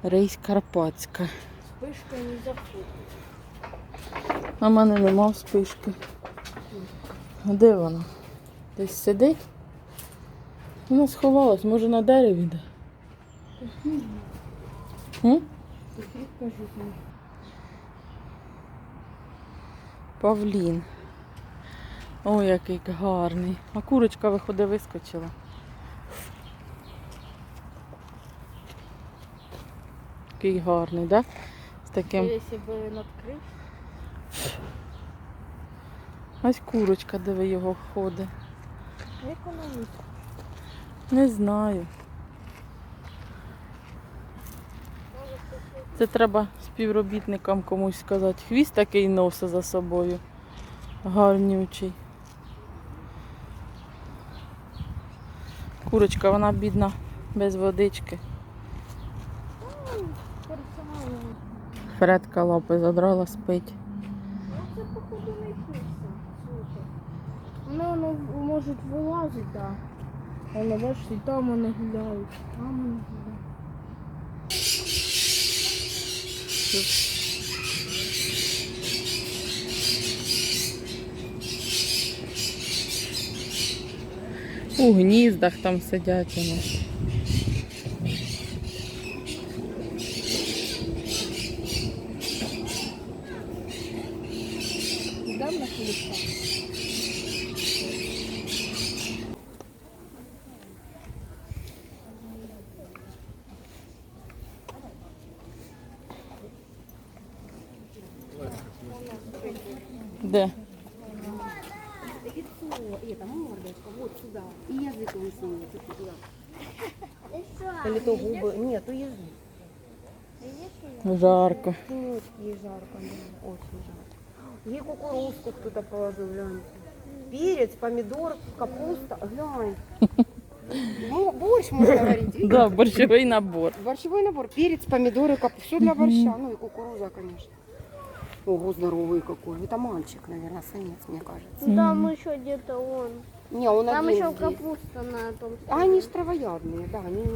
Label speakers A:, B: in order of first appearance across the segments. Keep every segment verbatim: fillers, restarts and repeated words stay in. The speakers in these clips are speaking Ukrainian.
A: Рейс Карпатська.
B: Спишка не заходить.
A: А в мене нема спишки. А де вона? Десь сидить? Вона сховалась, може на дереві де? М? Павлін. Ой, який гарний. А курочка, виходить, вискочила. Який гарний, так? Да? З таким...
B: Якщо б надкрив.
A: Ось курочка, де ви його ходить.
B: Як вона вийшла?
A: Не знаю. Це треба співробітникам комусь сказати. Хвіст такий носить за собою. Гарнючий. Курочка, вона бідна, без водички. Фредка лапи задрала, спить.
B: Це, походу, не писа. Воно, воно може вилазити, так. Воно, бачите, там вони гуляють. Там вони гуляють.
A: У гніздах там сидять вони.
B: Дам на хлібка.
A: Де?
C: Лицо, это мордочка, вот сюда. И язык он сунется туда. Или то губы. Нет, то язык.
A: Жарко.
C: Вот, ей жарко, да, очень жарко. Ей кукурузку кто-то положил, глянь. Перец, помидор, капуста, глянь. Ну, борщ, можно говорить. видите?
A: Да, борщовий набор.
C: Борщевой набор. Перец, помидоры, капуста. Все для борща. Ну и кукуруза, конечно. Ого, здоровый какой. Это мальчик, наверное, самец, мне кажется.
B: Там еще где-то он.
C: Не, он
B: Там
C: один
B: еще
C: здесь.
B: капуста на том.
C: А они ж травоядные, да, они...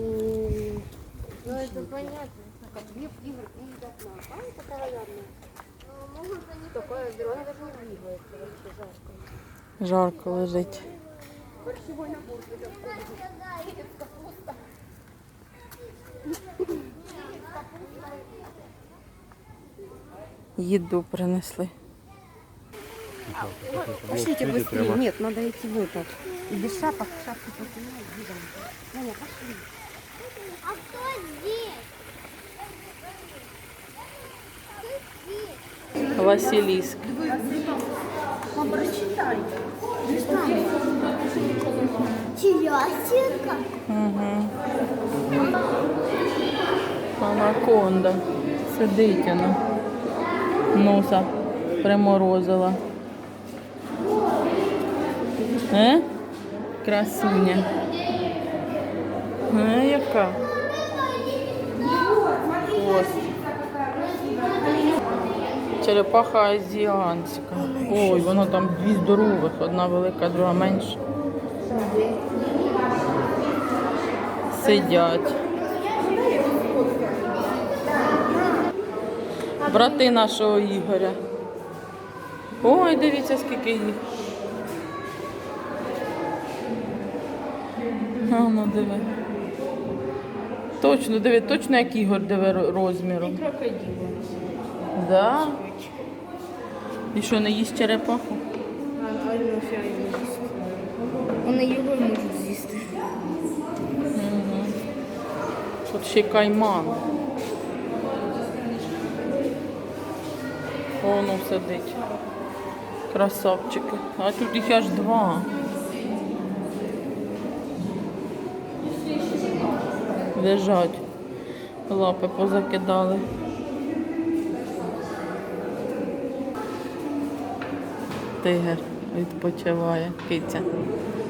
B: Ну это понятно.
C: Как две игры, и едят нас. А это травоядные. Могут они такое здоровое, она даже не двигается, вообще жарко.
A: Жарко лежить.
C: Борщевой набор. Перец, капуста.
A: Їду принесли.
C: Пошлите быстрее. Нет, надо идти в этот. И без шапок, шапки потянули. Таня, пошли.
B: А кто здесь?
A: Василіск.
B: Прочитай. Телятинка.
A: Угу. Анаконда. Сидить вона. Носа приморозила. Е? Красуня. Е, яка? Хвост. Черепаха азіанська. Ой, воно там дві здорових. Одна велика, друга менша. Сидять. Брати нашого Ігоря. Ой, дивіться, скільки їх. А, ну диви. Точно, диви, точно як Ігор, диви розміром.
B: Крокодил.
A: Да? І що, не їсть черепаху?
B: А Альофя його з'їсти. Вони його можуть з'їсти.
A: Угу. Тут ще кайман. Воно сидить. Красавчики. А тут їх аж два. Лежать. Лапи позакидали. Тигр відпочиває, киця.